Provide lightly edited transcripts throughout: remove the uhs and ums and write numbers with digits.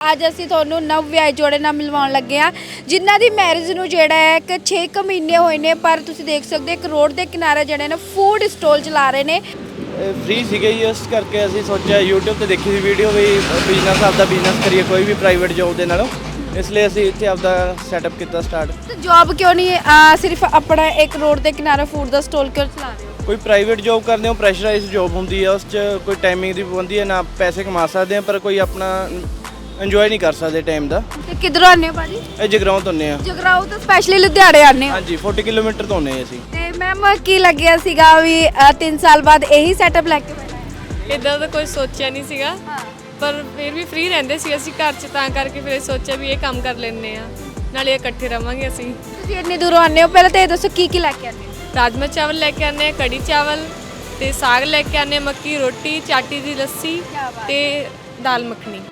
ਅੱਜ ਅਸੀਂ ਤੁਹਾਨੂੰ ਨਵ ਵਿਆਹੇ ਜੋੜੇ ਨਾਲ ਮਿਲਵਾਉਣ ਲੱਗੇ ਆ ਜਿਨ੍ਹਾਂ ਦੀ ਮੈਰਿਜ ਨੂੰ ਜਿਹੜਾ ਹੈ ਕਿ 6 ਕੁ ਮਹੀਨੇ ਹੋਏ ਨੇ। ਪਰ ਤੁਸੀਂ ਦੇਖ ਸਕਦੇ ਇੱਕ ਰੋਡ ਦੇ ਕਿਨਾਰੇ ਜਿਹੜੇ ਨੇ ਫੂਡ ਸਟਾਲ ਚਲਾ ਰਹੇ ਨੇ। ਫ੍ਰੀ ਸੀਗੇ ਜੀ, ਇਸ ਕਰਕੇ ਅਸੀਂ ਸੋਚਿਆ YouTube ਤੇ ਦੇਖੀ ਸੀ ਵੀਡੀਓ ਵੀ ਬਿਜ਼ਨਸ ਆਪਦਾ ਬਿਜ਼ਨਸ ਕਰੀਏ ਕੋਈ ਵੀ ਪ੍ਰਾਈਵੇਟ ਜੋਬ ਦੇ ਨਾਲੋਂ, ਇਸ ਲਈ ਅਸੀਂ ਇੱਥੇ ਆਪਦਾ ਸੈਟਅਪ ਕੀਤਾ ਸਟਾਰਟ। ਤੇ ਜੌਬ ਕਿਉਂ ਨਹੀਂ ਸਿਰਫ ਆਪਣਾ ਇੱਕ ਰੋਡ ਦੇ ਕਿਨਾਰੇ ਫੂਡ ਦਾ ਸਟਾਲ ਕਿਉਂ ਚਲਾ ਰਹੇ ਹੋ? ਕੋਈ ਪ੍ਰਾਈਵੇਟ ਜੋਬ ਕਰਦੇ ਹੋ, ਪ੍ਰੈਸ਼ਰਾਈਜ਼ ਜੋਬ ਹੁੰਦੀ ਹੈ, ਉਸ 'ਚ ਕੋਈ ਟਾਈਮਿੰਗ ਦੀ ਪਾਬੰਦੀ ਹੈ, ਨਾ ਪੈਸੇ ਕਮਾ ਸਕਦੇ ਆ ਪਰ ਕੋਈ ਆਪਣਾ ਇੰਜੋਏ ਨਹੀਂ ਕਰ ਸਕਦੇ ਟਾਈਮ ਦਾ। ਤੇ ਕਿੱਧਰੋਂ ਆਉਂਦੇ ਹੋ ਭਾਜੀ? ਇਹ ਜਗਰਾਉਂ ਤੋਂ ਆਉਂਦੇ ਆ। ਜਗਰਾਉਂ ਤੋਂ ਸਪੈਸ਼ਲੀ ਲੁਧਿਆਣੇ ਆਉਂਦੇ ਹੋ? ਹਾਂਜੀ 40 ਕਿਲੋਮੀਟਰ ਤੋਂ ਆਉਂਦੇ ਅਸੀਂ। ਤੇ ਮੈਮ ਕੀ ਲੱਗਿਆ ਸੀਗਾ ਵੀ 3 ਸਾਲ ਬਾਅਦ ਇਹੀ ਸੈਟਅਪ ਲੈ ਕੇ ਬੈਠਾ ਹੈ? ਇਦਾਂ ਦਾ ਕੋਈ ਸੋਚਿਆ ਨਹੀਂ ਸੀਗਾ, ਪਰ ਫਿਰ ਵੀ ਫ੍ਰੀ ਰਹਿੰਦੇ ਸੀ ਅਸੀਂ ਘਰ 'ਚ, ਤਾਂ ਕਰਕੇ ਫਿਰ ਸੋਚਿਆ ਵੀ ਇਹ ਕੰਮ ਕਰ ਲੈਂਦੇ ਆ, ਨਾਲੇ ਇਕੱਠੇ ਰਵਾਂਗੇ ਅਸੀਂ। ਤੁਸੀਂ ਇੰਨੀ ਦੂਰੋਂ ਆਉਂਦੇ ਹੋ, ਪਹਿਲਾਂ ਤਾਂ ਇਹ ਦੱਸੋ ਕੀ ਲੈ ਕੇ ਆਉਂਦੇ ਹੋ? ਰਾਜਮਾ ਚਾਵਲ ਲੈ ਕੇ ਆਉਂਦੇ ਆ, ਕੜੀ ਚਾਵਲ ਤੇ ਸਾਗ ਲੈ ਕੇ ਆਉਂਦੇ ਆ, ਮੱਕੀ ਰੋਟੀ, ਚਾਟੀ ਦੀ ਲੱਸੀ ਤੇ ਦਾਲ ਮੱਖਣੀ।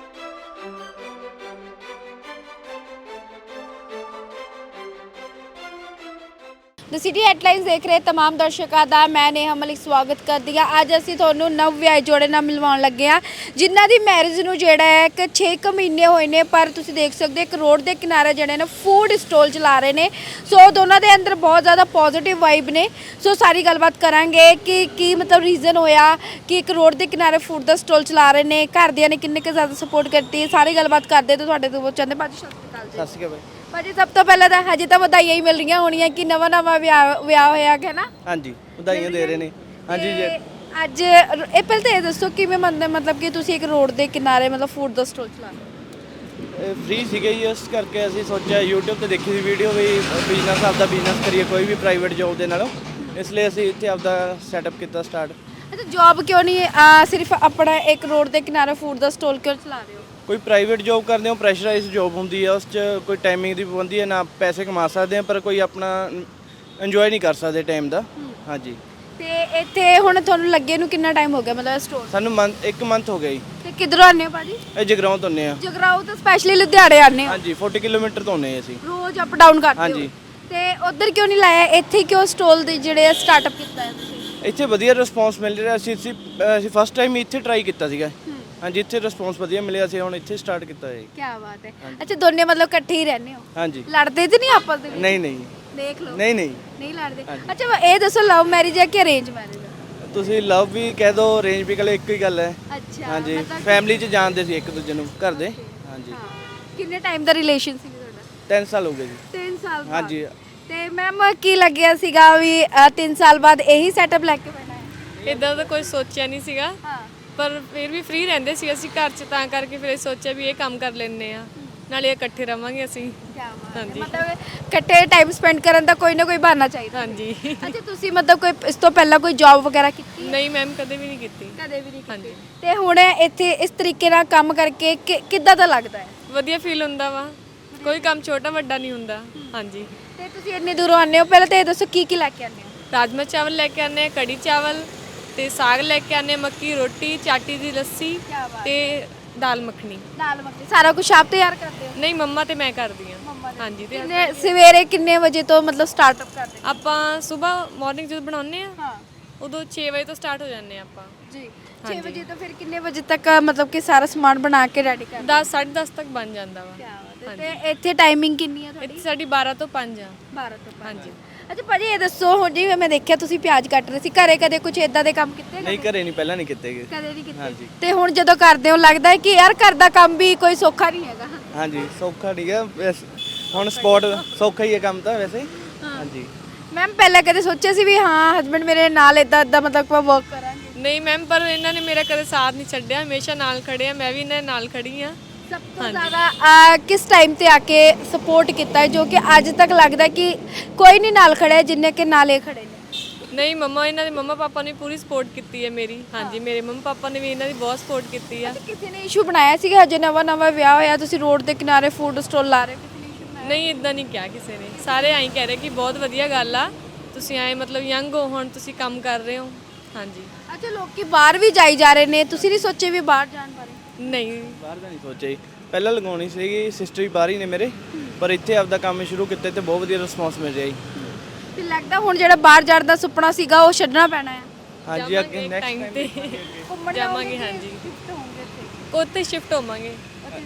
ਦ ਸਿਟੀ ਹੈਡਲਾਈਨਸ ਦੇਖ ਰਹੇ तमाम ਦਰਸ਼ਕਾਂ ਦਾ ਮੈਂ ਨੇਹਾ ਮਲਿਕ ਸਵਾਗਤ ਕਰਦੀ ਹਾਂ। ਅੱਜ ਅਸੀਂ ਤੁਹਾਨੂੰ ਨਵ ਵਿਆਹੇ ਜੋੜੇ ਨਾਲ ਮਿਲਵਾਉਣ ਲੱਗੇ ਆ ਜਿਨ੍ਹਾਂ ਦੀ ਮੈਰਿਜ ਨੂੰ ਜਿਹੜਾ ਹੈ ਕਿ 6 ਕੁ ਮਹੀਨੇ ਹੋਏ ਨੇ। ਪਰ ਤੁਸੀਂ ਦੇਖ ਸਕਦੇ ਇੱਕ ਰੋਡ ਦੇ ਕਿਨਾਰੇ ਜਿਹੜੇ ਨੇ ਫੂਡ ਸਟਾਲ ਚਲਾ ਰਹੇ ਨੇ। ਸੋ ਦੋਨਾਂ ਦੇ ਅੰਦਰ ਬਹੁਤ ਜ਼ਿਆਦਾ ਪੋਜ਼ਿਟਿਵ ਵਾਈਬ ਨੇ। ਸੋ ਸਾਰੀ ਗੱਲਬਾਤ ਕਰਾਂਗੇ ਕਿ ਕੀ ਮਤਲਬ ਰੀਜ਼ਨ ਹੋਇਆ ਕਿ ਇੱਕ ਰੋਡ ਦੇ ਕਿਨਾਰੇ ਫੂਡ ਦਾ ਸਟਾਲ ਚਲਾ ਰਹੇ ਨੇ, ਘਰਦਿਆਂ ਨੇ ਕਿੰਨੇ ਕੁ ਜ਼ਿਆਦਾ ਸਪੋਰਟ ਕਰਤੀ ਹੈ, ਸਾਰੀ ਗੱਲਬਾਤ ਕਰਦੇ ਤਾਂ ਤੁਹਾਡੇ ਤੋਂ ਚਾਹੁੰਦੇ ਭਾਜੀ। ਸਤਿ ਸ਼੍ਰੀ ਅਕਾਲ ਜੀ। ਸਤਿ ਸ਼੍ਰੀ ਅਕਾਲ ਭਾਜੀ ਸਭ ਤੋਂ ਪਹਿਲਾਂ ਤਾਂ ਹਜੇ ਤਾਂ ਵਧਾਈਆਂ ਹੀ ਮਿਲ ਰਹੀਆਂ ਹੋਣੀਆਂ ਕਿ ਨਵਾਂ ਵਿਆਹ ਹੋਇਆ ਹੈ ਨਾ? ਹਾਂਜੀ ਵਧਾਈਆਂ ਦੇ ਰਹੇ ਨੇ। ਹਾਂਜੀ ਜੀ ਅੱਜ ਇਹ ਪਹਿਲਾਂ ਤਾਂ ਇਹ ਦੱਸੋ ਕਿਵੇਂ ਮਤਲਬ ਕਿ ਤੁਸੀਂ ਇੱਕ ਰੋਡ ਦੇ ਕਿਨਾਰੇ ਮਤਲਬ ਫੂਡ ਦਾ ਸਟਾਲ ਚਲਾ ਰਹੇ ਹੋ? ਫ੍ਰੀ ਸੀਗੇ ਜੀ, ਇਸ ਕਰਕੇ ਅਸੀਂ ਸੋਚਿਆ YouTube ਤੇ ਦੇਖੀ ਸੀ ਵੀਡੀਓ ਵੀ ਬਿਜ਼ਨਸ ਆਪਦਾ ਬਿਜ਼ਨਸ ਕਰੀਏ ਕੋਈ ਵੀ ਪ੍ਰਾਈਵੇਟ ਜੋਬ ਦੇ ਨਾਲੋਂ, ਇਸ ਲਈ ਅਸੀਂ ਇੱਥੇ ਆਪਦਾ ਸੈਟਅਪ ਕੀਤਾ ਸਟਾਰਟ। ਅੱਛਾ ਜੌਬ ਕਿਉਂ ਨਹੀਂ ਸਿਰਫ ਆਪਣਾ ਇੱਕ ਰੋਡ ਦੇ ਕਿਨਾਰੇ ਫੂਡ ਦਾ ਸਟਾਲ ਕਿਉਂ ਚਲਾ ਰਹੇ ਹੋ? ਕੋਈ ਪ੍ਰਾਈਵੇਟ ਜੋਬ ਕਰਦੇ ਹੋ, ਪ੍ਰੈਸ਼ਰਾਈਜ਼ ਜੋਬ ਹੁੰਦੀ ਹੈ, ਉਸ 'ਚ ਕੋਈ ਟਾਈਮਿੰਗ ਦੀ ਪਾਬੰਦੀ ਹੈ, ਨਾ ਪੈਸੇ ਕਮਾ ਸਕਦੇ ਆ ਪਰ ਕੋਈ ਆਪਣਾ ਇੰਜੋਏ ਨਹੀਂ ਕਰ ਸਕਦੇ ਟਾਈਮ ਦਾ। ਹਾਂਜੀ ਤੇ ਇੱਥੇ ਹੁਣ ਤੁਹਾਨੂੰ ਲੱਗੇ ਨੂੰ ਕਿੰਨਾ ਟਾਈਮ ਹੋ ਗਿਆ ਮਤਲਬ ਸਟੋਰ? ਸਾਨੂੰ ਇੱਕ ਮੰਥ ਹੋ ਗਿਆ ਜੀ। ਤੇ ਕਿੱਧਰੋਂ ਆਉਂਦੇ ਹੋ ਭਾਜੀ? ਇਹ ਜਗਰਾਉਂ ਤੋਂ ਆਉਂਦੇ ਆ। ਜਗਰਾਉਂ ਤੋਂ ਸਪੈਸ਼ਲੀ ਲੁਧਿਆਣੇ ਆਉਂਦੇ ਹੋ? ਹਾਂਜੀ 40 ਕਿਲੋਮੀਟਰ ਤੋਂ ਆਉਂਦੇ ਅਸੀਂ। ਰੋਜ਼ ਅਪ ਡਾਊਨ ਕਰਦੇ ਹੋ? ਹਾਂਜੀ। ਤੇ ਉਧਰ ਕਿਉਂ ਨਹੀਂ ਲਾਇਆ, ਇੱਥੇ ਕਿਉਂ ਸਟਾਲ ਦੇ ਜਿਹੜੇ ਸਟਾਰਟਅਪ ਕੀਤਾ ਹੈ ਤੁਸੀਂ? ਇੱਥੇ ਵਧੀਆ ਰਿਸਪੌਂਸ ਮਿਲ ਰਿਹਾ ਸੀ। ਅਸੀਂ ਫਸਟ ਟਾਈਮ ਇੱਥੇ ਟਰਾਈ ਕੀਤਾ ਸੀਗਾ। ਹਾਂਜੀ ਇੱਥੇ ਰਿਸਪੌਂਸ ਵਧੀਆ ਮਿਲਿਆ ਸੀ, ਹੁਣ ਇੱਥੇ ਸਟਾਰਟ ਕੀਤਾ ਹੈ। ਕੀ ਬਾਤ ਹੈ। ਅੱਛਾ ਦੋਨੇ ਮਤਲਬ ਇਕੱਠੇ ਹੀ ਰਹਿੰਦੇ ਹੋ? ਹਾਂਜੀ। ਲੜਦੇ ਤੇ ਨਹੀਂ ਆਪਸ ਦੇ ਵਿੱਚ? ਨਹੀਂ ਨਹੀਂ ਦੇਖ ਲਓ। ਨਹੀਂ ਲੜਦੇ। ਅੱਛਾ ਇਹ ਦੱਸੋ ਲਵ ਮੈਰਿਜ ਹੈ ਕਿ ਅਰੇਂਜ ਮੈਰਿਜ ਹੈ? ਤੁਸੀਂ ਲਵ ਵੀ ਕਹਿ ਦੋ, ਅਰੇਂਜ ਵੀ ਕਹਿ ਇੱਕੋ ਹੀ ਗੱਲ ਹੈ। ਅੱਛਾ ਹਾਂਜੀ ਫੈਮਿਲੀ 'ਚ ਜਾਣਦੇ ਸੀ ਇੱਕ ਦੂਜੇ ਨੂੰ ਘਰ ਦੇ। ਹਾਂਜੀ। ਕਿੰਨੇ ਟਾਈਮ ਦਾ ਰਿਲੇਸ਼ਨ ਸੀ ਤੁਹਾਡਾ? 3 ਸਾਲ ਹੋ ਗਏ ਜੀ। 3 ਸਾਲ ਬਾਅਦ? ਹਾਂਜੀ। ਤੇ ਮੈਮ ਕੀ ਲੱਗਿਆ ਸੀਗਾ ਵੀ 3 ਸਾਲ ਬਾਅਦ ਇਹੀ ਸੈਟਅਪ ਲੈ ਕੇ ਬੈਠਾ ਹੈ? ਇਦਾਂ ਦਾ ਕੋਈ ਸੋਚਿਆ ਨਹੀਂ ਸੀਗਾ, ਪਰ ਫਿਰ ਵੀ ਫ੍ਰੀ ਰਹਿੰਦੇ ਸੀ ਅਸੀਂ ਘਰ 'ਚ, ਤਾਂ ਕਰਕੇ ਫਿਰ ਸੋਚਿਆ ਵੀ ਇਹ ਕੰਮ ਕਰ ਲੈਂਦੇ ਆ, ਨਾਲੇ ਇਕੱਠੇ ਰਵਾਂਗੇ ਅਸੀਂ। ਹਾਂਜੀ ਮਤਲਬ ਇਕੱਠੇ ਟਾਈਮ ਸਪੈਂਡ ਕਰਨ ਦਾ ਕੋਈ ਨਾ ਕੋਈ ਬਹਾਨਾ ਚਾਹੀਦਾ। ਹਾਂਜੀ। ਅੱਛਾ ਤੁਸੀਂ ਮਤਲਬ ਕੋਈ ਇਸ ਤੋਂ ਪਹਿਲਾਂ ਕੋਈ ਜੌਬ ਵਗੈਰਾ ਕੀਤੀ? ਨਹੀਂ ਮੈਮ ਕਦੇ ਵੀ ਨਹੀਂ ਕੀਤੀ। ਕਦੇ ਵੀ ਨਹੀਂ ਕੀਤੀ। ਹਾਂਜੀ। ਤੇ ਹੁਣ ਇੱਥੇ ਇਸ ਤਰੀਕੇ ਨਾਲ ਕੰਮ ਕਰਕੇ ਕਿੱਦਾਂ ਦਾ ਲੱਗਦਾ ਹੈ? ਵਧੀਆ ਫੀਲ ਹੁੰਦਾ ਵਾ, ਕੋਈ ਕੰਮ ਛੋਟਾ ਵੱਡਾ ਨਹੀਂ ਹੁੰਦਾ। ਹਾਂਜੀ। ਤੇ ਤੁਸੀਂ ਇੰਨੀ ਦੂਰੋਂ ਆਉਂਦੇ ਹੋ, ਪਹਿਲਾਂ ਤਾਂ ਇਹ ਦੱਸੋ ਕੀ ਲੈ ਕੇ ਆਉਂਦੇ ਹੋ? ਰਾਜਮਾ ਚਾਵਲ ਲੈ ਕੇ ਆਉਂਦੇ ਆ, ਕੜੀ ਚਾਵਲ ਤੇ ਸਾਗ ਲੈ ਕੇ ਆਉਂਦੇ ਆ, ਮੱਕੀ ਰੋਟੀ, ਚਾਟੀ ਦੀ ਲੱਸੀ ਤੇ ਦਾਲ ਮੱਖਣੀ। ਦਾਲ ਮੱਖਣੀ ਸਾਰਾ ਕੁਝ ਆਪ ਤਿਆਰ ਕਰਦੇ ਹੋ? ਨਹੀਂ ਮੰਮਾ ਤੇ ਮੈਂ ਕਰਦੀ ਆ। ਹਾਂਜੀ। ਤੇ ਸਵੇਰੇ ਕਿੰਨੇ ਵਜੇ ਤੋਂ ਮਤਲਬ ਸਟਾਰਟਅਪ ਕਰਦੇ? ਆਪਾਂ ਸਵੇਰ ਮਾਰਨਿੰਗ ਜਦੋਂ ਬਣਾਉਂਦੇ ਆ ਉਦੋਂ 6 ਵਜੇ ਤੋਂ ਸਟਾਰਟ ਹੋ ਜਾਂਦੇ ਆ ਆਪਾਂ ਜੀ। 6 ਵਜੇ ਤੋਂ ਫਿਰ ਕਿੰਨੇ ਵਜੇ ਤੱਕ ਮਤਲਬ ਕਿ ਸਾਰਾ ਸਮਾਨ ਬਣਾ ਕੇ ਰੈਡੀ ਕਰਦੇ? 10 10:30 ਤੱਕ ਬਣ ਜਾਂਦਾ ਵਾ। ਤੇ ਇੱਥੇ ਟਾਈਮਿੰਗ ਕਿੰਨੀ ਆ ਤੁਹਾਡੀ? ਇੱਥੇ ਸਾਡੀ 12 ਤੋਂ 5 ਆ। 12 ਤੋਂ 5। ਹਾਂਜੀ। ਅੱਛਾ ਭਾਜੀ ਇਹ ਦੱਸੋ ਹੁਣ ਜਿਵੇਂ ਮੈਂ ਦੇਖਿਆ ਤੁਸੀਂ ਪਿਆਜ਼ ਕੱਟ ਰਹੇ ਸੀ, ਘਰੇ ਕਦੇ ਕੁਝ ਇਦਾਂ ਦੇ ਕੰਮ ਕੀਤੇ? ਨਹੀਂ ਘਰੇ ਨਹੀਂ, ਪਹਿਲਾਂ ਨਹੀਂ ਕੀਤੇ ਗਏ। ਕਦੇ ਨਹੀਂ ਕੀਤੇ? ਹਾਂਜੀ। ਤੇ ਹੁਣ ਜਦੋਂ ਕਰਦੇ ਹੋ ਲੱਗਦਾ ਹੈ ਕਿ ਯਾਰ ਘਰ ਦਾ ਕੰਮ ਵੀ ਕੋਈ ਸੌਖਾ ਨਹੀਂ ਹੈਗਾ? ਹਾਂਜੀ ਸੌਖਾ ਨਹੀਂ ਹੈ, ਹੁਣ ਸਪੋਰਟ ਸੌਖਾ ਹੀ ਹੈ ਕੰਮ ਤਾਂ ਵੈਸੇ। ਹਾਂਜੀ। ਮੈਮ ਪਹਿਲਾਂ ਕਦੇ ਸੋਚਿਆ ਸੀ ਵੀ ਹਾਂ ਹਸਬੰਡ ਮੇਰੇ ਨਾਲ ਇਦਾਂ ਮਤਲਬ ਆਪਾਂ ਵਰਕ ਕਰਾਂਗੇ? ਨਹੀਂ ਮੈਮ, ਪਰ ਇਹਨਾਂ ਨੇ ਮੇਰਾ ਕਦੇ ਸਾਥ ਨਹੀਂ ਛੱਡਿਆ, ਹਮੇਸ਼ਾ ਨਾਲ ਖੜੇ ਆ, ਮੈਂ ਵੀ ਇਹਨਾਂ ਦੇ ਨਾਲ ਖੜੀ ਆ। ਸਭ ਤੋਂ ਜ਼ਿਆਦਾ ਕਿਸ ਟਾਈਮ ਤੇ ਆ ਕੇ ਸਪੋਰਟ ਕੀਤਾ ਹੈ ਜੋ ਕਿ ਅੱਜ ਤੱਕ ਲੱਗਦਾ ਕਿ ਕੋਈ ਨਹੀਂ ਨਾਲ ਖੜਾ ਜਿੰਨੇ ਕਿ ਨਾਲ ਇਹ ਖੜੇ ਨੇ? ਨਹੀਂ ਮੰਮਾ, ਇਹਨਾਂ ਦੇ ਮੰਮਾ ਪਾਪਾ ਨੇ ਪੂਰੀ ਸਪੋਰਟ ਕੀਤੀ ਹੈ ਮੇਰੀ। ਹਾਂਜੀ ਮੇਰੇ ਮੰਮਾ ਪਾਪਾ ਨੇ ਵੀ ਇਹਨਾਂ ਦੀ ਬਹੁਤ ਸਪੋਰਟ ਕੀਤੀ ਆ। ਕਿਸੇ ਨੇ ਇਸ਼ੂ ਬਣਾਇਆ ਸੀਗਾ ਹਜੇ ਨਵਾਂ ਵਿਆਹ ਹੋਇਆ ਤੁਸੀਂ ਰੋਡ ਦੇ ਕਿਨਾਰੇ ਫੂਡ ਸਟਾਲ ਲਾ ਰਹੇ ਹੋ? ਕਿਸੇ ਨੇ ਇਸ਼ੂ ਬਣਾਇਆ? ਨਹੀਂ ਇਦਾਂ ਨਹੀਂ ਕਿਹਾ ਕਿਸੇ ਨੇ, ਸਾਰੇ ਐਂ ਕਹਿ ਰਹੇ ਕਿ ਬਹੁਤ ਵਧੀਆ ਗੱਲ ਆ, ਤੁਸੀਂ ਐਂ ਮਤਲਬ ਯੰਗ ਹੋ, ਹੁਣ ਤੁਸੀਂ ਕੰਮ ਕਰ ਰਹੇ ਹੋ। ਹਾਂਜੀ। ਅੱਛਾ ਲੋਕੀ ਬਾਹਰ ਵੀ ਜਾਈ ਜਾ ਰਹੇ ਨੇ, ਤੁਸੀਂ ਨਹੀਂ ਸੋਚੇ ਵੀ ਬਾਹਰ ਜਾਣ ਬਾਰੇ? ਨਹੀਂ ਬਾਹਰ ਦਾ ਨਹੀਂ ਸੋਚਿਆ ਜੀ, ਪਹਿਲਾਂ ਲਗਾਉਣੀ ਸੀਗੀ, ਸਿਸਟਰ ਵੀ ਬਾਹਰ ਹੀ ਨੇ ਮੇਰੇ, ਪਰ ਇੱਥੇ ਆਪਦਾ ਕੰਮ ਸ਼ੁਰੂ ਕੀਤਾ ਤੇ ਬਹੁਤ ਵਧੀਆ ਰਿਸਪੌਂਸ ਮਿਲ ਰਿਹਾ ਜੀ। ਫਿਰ ਲੱਗਦਾ ਹੁਣ ਜਿਹੜਾ ਬਾਹਰ ਜਾਣ ਦਾ ਸੁਪਨਾ ਸੀਗਾ ਉਹ ਛੱਡਣਾ ਪੈਣਾ ਹੈ? ਹਾਂਜੀ ਅੱਗੇ ਨੈਕਸਟ ਟਾਈਮ ਤੇ ਘੁੰਮਣ ਜਾਵਾਂਗੇ। ਹਾਂਜੀ ਉੱਥੇ ਸ਼ਿਫਟ ਹੋਵਾਂਗੇ।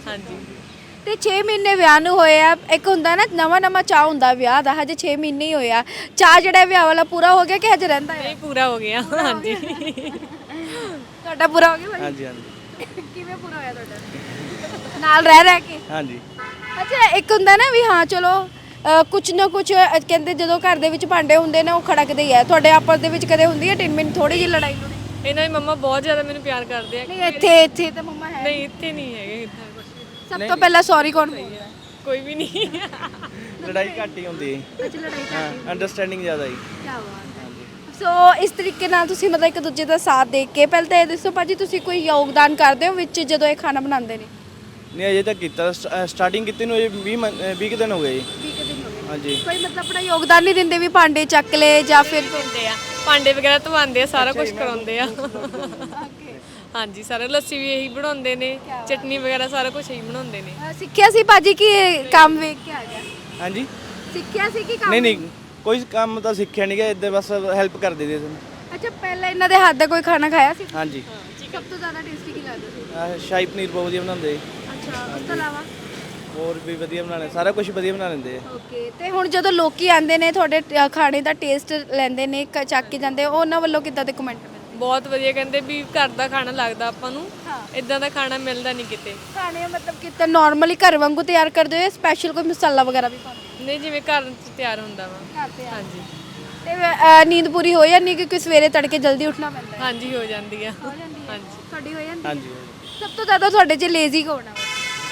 ਹਾਂਜੀ ਤੇ 6 ਮਹੀਨੇ ਵਿਆਹ ਨੂੰ ਹੋਏ ਆ, ਇੱਕ ਹੁੰਦਾ ਨਾ ਨਵਾਂ ਨਵਾਂ ਚਾਹ ਹੁੰਦਾ ਵਿਆਹ ਦਾ, ਹਜੇ 6 ਮਹੀਨੇ ਹੀ ਹੋਇਆ, ਚਾਹ ਜਿਹੜਾ ਵਿਆਹ ਵਾਲਾ ਪੂਰਾ ਹੋ ਗਿਆ ਕਿ ਹਜੇ ਰਹਿੰਦਾ ਹੈ? ਨਹੀਂ ਪੂਰਾ ਹੋ ਗਿਆ ਹਾਂਜੀ ਤੁਹਾਡਾ ਪੂਰਾ ਹੋ ਗਿਆ ਭਾਈ? ਹਾਂਜੀ ਹਾਂਜੀ ਕਿਵੇਂ ਪੂਰਾ ਹੋਇਆ ਤੁਹਾਡਾ? ਨਾਲ ਰਹਿ ਕੇ? ਹਾਂਜੀ ਅੱਛਾ, ਇੱਕ ਹੁੰਦਾ ਨਾ ਵੀ ਹਾਂ ਚਲੋ ਕੁਛ ਨਾ ਕੁਛ ਕਹਿੰਦੇ ਜਦੋਂ ਘਰ ਦੇ ਵਿੱਚ ਭਾਂਡੇ ਹੁੰਦੇ ਨੇ ਉਹ ਖੜਕਦੇ ਹੀ ਆ, ਤੁਹਾਡੇ ਆਪਸ ਦੇ ਵਿੱਚ ਕਦੇ ਹੁੰਦੀ ਹੈ ਟਿੰਨ ਥੋੜੀ ਜਿਹੀ ਲੜਾਈ ਲੜਾਈ? ਇਹਨਾਂ ਦੀ ਮੰਮਾ ਬਹੁਤ ਜ਼ਿਆਦਾ ਮੈਨੂੰ ਪਿਆਰ ਕਰਦੇ ਆ। ਨਹੀਂ ਇੱਥੇ ਤਾਂ ਮੰਮਾ ਹੈ ਨਹੀਂ ਇੱਥੇ ਨਹੀਂ ਹੈਗੇ ਇੱਦਾਂ ਕੁਛ ਵੀ। ਸਭ ਤੋਂ ਪਹਿਲਾਂ ਸੌਰੀ ਕੌਣ ਬੋਲਦਾ? ਕੋਈ ਵੀ ਨਹੀਂ ਲੜਾਈ ਘੱਟ ਹੀ ਹੁੰਦੀ ਹੈ। ਅੱਛਾ, ਲੜਾਈ ਹਾਂ ਅੰਡਰਸਟੈਂਡਿੰਗ ਜ਼ਿਆਦਾ ਹੀ। ਕੀ ਬਾਤ ਹੈ। ਸੋ ਇਸ ਤਰੀਕੇ ਨਾਲ ਤੁਸੀਂ ਮਤਲਬ ਇੱਕ ਦੂਜੇ ਦਾ ਸਾਥ ਦੇ ਕੇ, ਪਹਿਲਾਂ ਤਾਂ ਇਹ ਦੱਸੋ ਭਾਜੀ ਤੁਸੀਂ ਕੋਈ ਯੋਗਦਾਨ ਕਰਦੇ ਹੋ ਵਿੱਚ ਜਦੋਂ ਇਹ ਖਾਣਾ ਬਣਾਉਂਦੇ ਨੇ? ਨਹੀਂ ਅਜੇ ਤੱਕ ਕੀਤਾ, ਸਟਾਰਟਿੰਗ ਕੀਤੀ ਨੂੰ ਅਜੇ 20 ਕੁ ਦਿਨ ਹੋ ਗਏ ਜੀ। 20 ਦਿਨ ਹੋ ਗਏ। ਹਾਂਜੀ ਕੋਈ ਮਤਲਬ ਆਪਣਾ ਯੋਗਦਾਨ ਨਹੀਂ ਦਿੰਦੇ ਵੀ ਭਾਂਡੇ ਚੱਕ ਲੈ ਜਾਂ ਫਿਰ ਹੁੰਦੇ ਆ ਭਾਂਡੇ ਵਗੈਰਾ ਧਵਾਉਂਦੇ ਆ, ਸਾਰਾ ਕੁਝ ਕਰਾਉਂਦੇ ਆ ਹਾਂਜੀ ਸਾਰਾ ਲੱਸੀ ਵੀ ਇਹੀ ਬਣਾਉਂਦੇ ਨੇ, ਚਟਨੀ ਵਗੈਰਾ ਸਾਰਾ ਕੁਝ ਇਹੀ ਬਣਾਉਂਦੇ ਨੇ। ਸਿੱਖਿਆ ਸੀ ਭਾਜੀ ਕਿ ਇਹ ਕੰਮ ਵੇਖ ਕੇ ਆ ਗਿਆ? ਹਾਂਜੀ ਸਿੱਖਿਆ ਸੀ ਕਿ ਕੰਮ? ਨਹੀਂ ਕੋਈ ਕੰਮ ਤਾਂ ਸਿੱਖਿਆ ਨਹੀਂ ਗਿਆ, ਇੱਦਾਂ ਬਸ ਹੈਲਪ ਕਰ ਦਿੰਦੇ ਸੀ। ਅੱਛਾ, ਪਹਿਲਾਂ ਇਹਨਾਂ ਦੇ ਹੱਥ ਦਾ ਕੋਈ ਖਾਣਾ ਖਾਇਆ ਸੀ? ਹਾਂਜੀ ਸਭ ਤੋਂ ਜ਼ਿਆਦਾ ਟੇਸਟੀ ਕੀ ਲੱਗਦਾ ਸੀ? ਸ਼ਾਹੀ ਪਨੀਰ ਬਹੁਤ ਵਧੀਆ ਬਣਾਉਂਦੇ। ਅੱਛਾ, ਉਸ ਤੋਂ ਇਲਾਵਾ? ਹੋਰ ਵੀ ਵਧੀਆ ਬਣਾਉਂਦੇ, ਸਾਰਾ ਕੁਝ ਵਧੀਆ ਬਣਾ ਲੈਂਦੇ ਆ। ਓਕੇ, ਤੇ ਹੁਣ ਜਦੋਂ ਲੋਕੀ ਆਉਂਦੇ ਨੇ ਤੁਹਾਡੇ ਖਾਣੇ ਦਾ ਟੇਸਟ ਲੈਂਦੇ ਨੇ, ਚੱਕ ਕੇ ਜਾਂਦੇ, ਉਹਨਾਂ ਵੱਲੋਂ ਕਿੱਦਾਂ ਦੇ ਕਮੈਂਟ ਮਿਲਦੇ? ਬਹੁਤ ਵਧੀਆ, ਕਹਿੰਦੇ ਵੀ ਘਰ ਦਾ ਖਾਣਾ ਲੱਗਦਾ ਆਪਾਂ ਨੂੰ, ਹਾਂ। ਇਦਾਂ ਦਾ ਖਾਣਾ ਮਿਲਦਾ ਨਹੀਂ ਕਿਤੇ। ਖਾਣੇ ਮਤਲਬ ਕਿਤੇ ਨਾਰਮਲੀ ਘਰ ਵਾਂਗੂ ਤਿਆਰ ਕਰਦੇ ਹੋ ਜਾਂ ਸਪੈਸ਼ਲ ਕੋਈ ਮਸਾਲਾ ਵਗੈਰਾ ਵੀ ਪਾਉਂਦੇ ਨਹੀਂ ਜਿਵੇਂ ਘਰ 'ਚ ਤਿਆਰ ਹੁੰਦਾ ਵਾ। ਹੋ? ਘਰ ਤੇ ਹਾਂਜੀ ਤੇ ਨੀਂਦ ਪੂਰੀ ਹੋ ਜਾਂਦੀ ਕਿਉਂਕਿ ਸਵੇਰੇ ਤੜਕੇ ਜਲਦੀ ਉੱਠਣਾ ਪੈਂਦਾ ਹੈ? ਹਾਂਜੀ ਹੋ ਜਾਂਦੀ ਆ। ਹੋ ਜਾਂਦੀ ਹੈ? ਹਾਂਜੀ ਤੁਹਾਡੀ ਹੋ ਜਾਂਦੀ ਹੈ? ਹਾਂਜੀ ਸਭ ਤੋਂ ਜ਼ਿਆਦਾ ਤੁਹਾਡੇ 'ਚ ਲੇਜ਼ੀ ਕੌਣ ਆ?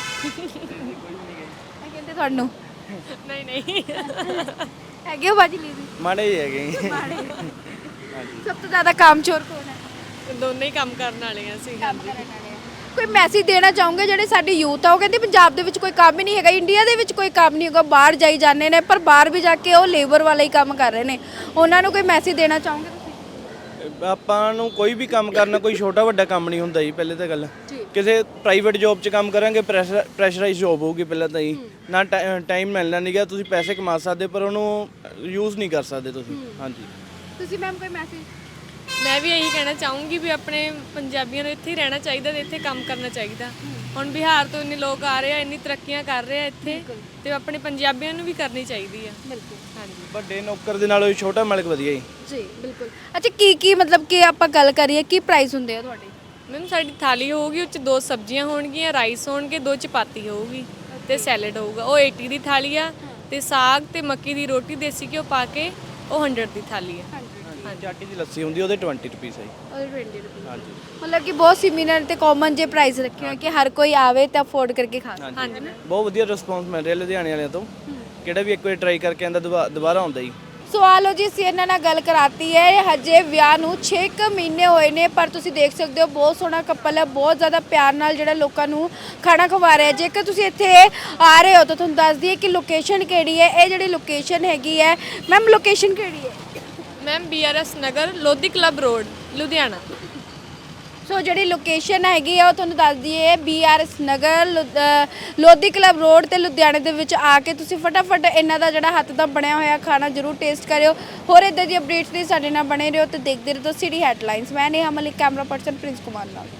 ਮੈਂ ਕਹਿੰਦੇ ਤੁਹਾਨੂੰ ਨਹੀਂ ਨਹੀਂ ਹੈਗੇ ਹੋ ਬਾਜੀ ਲੇਜ਼ੀ? ਮਾੜੇ ਹੀ ਹੈਗੇ। ਮਾੜੇ। ਸਭ ਤੋਂ ਜ਼ਿਆਦਾ ਕਾਮਚੋਰ ਕੌਣ ਹੈ? ਦੋਨੇ ਹੀ ਕੰਮ ਕਰਨ ਵਾਲੇ ਆ ਅਸੀਂ। ਹਾਂਜੀ ਕੋਈ ਮੈਸੇਜ ਦੇਣਾ ਚਾਹੋਗੇ ਜਿਹੜੇ ਸਾਡੀ ਯੂਥ ਆ, ਉਹ ਕਹਿੰਦੇ ਪੰਜਾਬ ਦੇ ਵਿੱਚ ਕੋਈ ਕੰਮ ਹੀ ਨਹੀਂ ਹੈਗਾ, ਇੰਡੀਆ ਦੇ ਵਿੱਚ ਕੋਈ ਕੰਮ ਨਹੀਂ ਹੈਗਾ, ਬਾਹਰ ਜਾਈ ਜਾਂਦੇ ਨੇ ਪਰ ਬਾਹਰ ਵੀ ਜਾ ਕੇ ਉਹ ਲੇਬਰ ਵਾਲਾ ਹੀ ਕੰਮ ਕਰ ਰਹੇ ਨੇ, ਉਹਨਾਂ ਨੂੰ ਕੋਈ ਮੈਸੇਜ ਦੇਣਾ ਚਾਹੋਗੇ ਤੁਸੀਂ? ਆਪਾਂ ਨੂੰ ਕੋਈ ਵੀ ਕੰਮ ਕਰਨਾ ਕੋਈ ਛੋਟਾ ਵੱਡਾ ਕੰਮ ਨਹੀਂ ਹੁੰਦਾ ਜੀ। ਪਹਿਲੇ ਤਾਂ ਗੱਲ ਜੀ। ਕਿਸੇ ਪ੍ਰਾਈਵੇਟ ਜੌਬ 'ਚ ਕੰਮ ਕਰਾਂਗੇ ਪ੍ਰੈਸ਼ਰਾਈਜ਼ ਜੌਬ ਹੋਊਗੀ ਪਹਿਲਾਂ ਤਾਂ ਜੀ, ਨਾ ਟਾਈਮ ਮਿਲਣਾ ਨਹੀਂਗਾ, ਤੁਸੀਂ ਪੈਸੇ ਕਮਾ ਸਕਦੇ ਪਰ ਉਹਨੂੰ ਯੂਜ਼ ਨਹੀਂ ਕਰ ਸਕਦੇ ਤੁਸੀਂ। ਹਾਂਜੀ ਤੁਸੀਂ ਮੈਮ ਕੋਈ ਮੈਸੇਜ? ਮੈਂ ਵੀ ਇਹੀ ਕਹਿਣਾ ਚਾਹੂੰਗੀ ਵੀ ਆਪਣੇ ਪੰਜਾਬੀਆਂ ਨੂੰ ਇੱਥੇ ਹੀ ਰਹਿਣਾ ਚਾਹੀਦਾ ਤੇ ਇੱਥੇ ਕੰਮ ਕਰਨਾ ਚਾਹੀਦਾ। ਹੁਣ ਬਿਹਾਰ ਤੋਂ ਇੰਨੇ ਲੋਕ ਆ ਰਹੇ ਆ, ਇੰਨੀ ਤਰੱਕੀਆਂ ਕਰ ਰਹੇ ਆ ਇੱਥੇ, ਤੇ ਆਪਣੇ ਪੰਜਾਬੀਆਂ ਨੂੰ ਵੀ ਕਰਨੀ ਚਾਹੀਦੀ ਆ। ਬਿਲਕੁਲ। ਹਾਂਜੀ ਵੱਡੇ ਨੌਕਰ ਦੇ ਨਾਲੋਂ ਛੋਟਾ ਮਾਲਕ ਵਧੀਆ ਜੀ। ਜੀ ਬਿਲਕੁਲ। ਅੱਛਾ, ਕੀ ਮਤਲਬ ਕਿ ਆਪਾਂ ਗੱਲ ਕਰੀਏ ਕੀ ਪ੍ਰਾਈਸ ਹੁੰਦੇ ਆ ਤੁਹਾਡੇ? ਮੈਮ ਸਾਡੀ ਥਾਲੀ ਹੋਊਗੀ, ਉਹ 'ਚ 2 ਸਬਜ਼ੀਆਂ ਹੋਣਗੀਆਂ, ਰਾਈਸ ਹੋਣਗੇ, 2 ਚਪਾਤੀ ਹੋਊਗੀ ਤੇ ਸੈਲਡ ਹੋਊਗਾ। ਉਹ 80 ਦੀ ਥਾਲੀ ਆ, ਤੇ ਸਾਗ ਤੇ ਮੱਕੀ ਦੀ ਰੋਟੀ ਦੇਸੀ ਘਿਓ ਪਾ ਕੇ ਉਹ 100 ਦੀ ਥਾਲੀ ਆ। ਚਾਟੀ ਦੀ ਲੱਸੀ ਹੁੰਦੀ ਉਹਦੇ 20 ਰੁਪੀਸ ਹੈ ਜੀ। ਉਹਦੇ 20 ਰੁਪਏ। ਹਾਂਜੀ ਮਤਲਬ ਕਿ ਬਹੁਤ ਸਿਮਿਲਰ ਤੇ ਕਾਮਨ ਜੇ ਪ੍ਰਾਈਸ ਰੱਖੇ ਹੋਏ ਕਿ ਹਰ ਕੋਈ ਆਵੇ ਤੇ ਅਫੋਰਡ ਕਰਕੇ ਖਾ ਸਕੇ। ਹਾਂਜੀ ਬਹੁਤ ਵਧੀਆ ਰਿਸਪੌਂਸ ਮਿਲ ਰਿਹਾ ਲੁਧਿਆਣੇ ਵਾਲਿਆਂ ਤੋਂ। ਕਿਹੜਾ ਵੀ ਇੱਕ ਵਾਰ ਟਰਾਈ ਕਰਕੇ ਆਂਦਾ ਦੁਬਾਰਾ ਆਉਂਦਾ ਜੀ। ਸੋ ਆ ਲਓ ਜੀ, ਅਸੀਂ ਇਹਨਾਂ ਨਾਲ ਗੱਲ ਕਰਾਤੀ ਹੈ। ਹਜੇ ਵਿਆਹ ਨੂੰ 6 ਮਹੀਨੇ ਹੋਏ ਨੇ ਪਰ ਤੁਸੀਂ ਦੇਖ ਸਕਦੇ ਹੋ ਬਹੁਤ ਸੋਹਣਾ ਕਪਲ ਹੈ, ਬਹੁਤ ਜ਼ਿਆਦਾ ਪਿਆਰ ਨਾਲ ਜਿਹੜਾ ਲੋਕਾਂ ਨੂੰ ਖਾਣਾ ਖਵਾ ਰਿਹਾ। ਜੇਕਰ ਤੁਸੀਂ ਇੱਥੇ ਆ ਰਹੇ ਹੋ ਤਾਂ ਤੁਹਾਨੂੰ ਦੱਸ ਦਈਏ ਕਿ ਲੋਕੇਸ਼ਨ ਕਿਹੜੀ ਹੈ। ਇਹ ਜਿਹੜੀ ਲੋਕੇਸ਼ਨ ਹੈਗੀ ਹੈ ਮੈਮ, ਲੋਕੇਸ਼ਨ ਕਿਹੜੀ ਹੈ? Ma'am BRS Nagar, Lodhi club road, Ludhiana. So ਜਿਹੜੀ ਲੋਕੇਸ਼ਨ ਹੈਗੀ ਆ ਉਹ ਤੁਹਾਨੂੰ ਦੱਸ ਦਈਏ BRS Nagar, Lodhi club road ਤੇ ਲੁਧਿਆਣੇ ਦੇ ਵਿੱਚ ਆ ਕੇ ਤੁਸੀਂ ਫਟਾਫਟ ਇਹਨਾਂ ਦਾ ਜਿਹੜਾ ਹੱਥ ਦਾ ਬਣਿਆ ਹੋਇਆ ਖਾਣਾ ਜ਼ਰੂਰ ਟੇਸਟ ਕਰਿਓ। ਹੋਰ ਇਦਾਂ ਦੀ ਅਪਡੇਟਸ ਲਈ ਸਾਡੇ ਨਾਲ ਬਣੇ ਰਹੋ ਤੇ ਦੇਖਦੇ ਰਹੋ ਸਿਟੀ ਹੈਡਲਾਈਨਸ। ਮੈਂ ਨੇਹਾ ਮਲਿਕ, ਕੈਮਰਾ ਪਰਸਨ ਪ੍ਰਿੰਸ ਕੁਮਾਰ ਨਾਲ।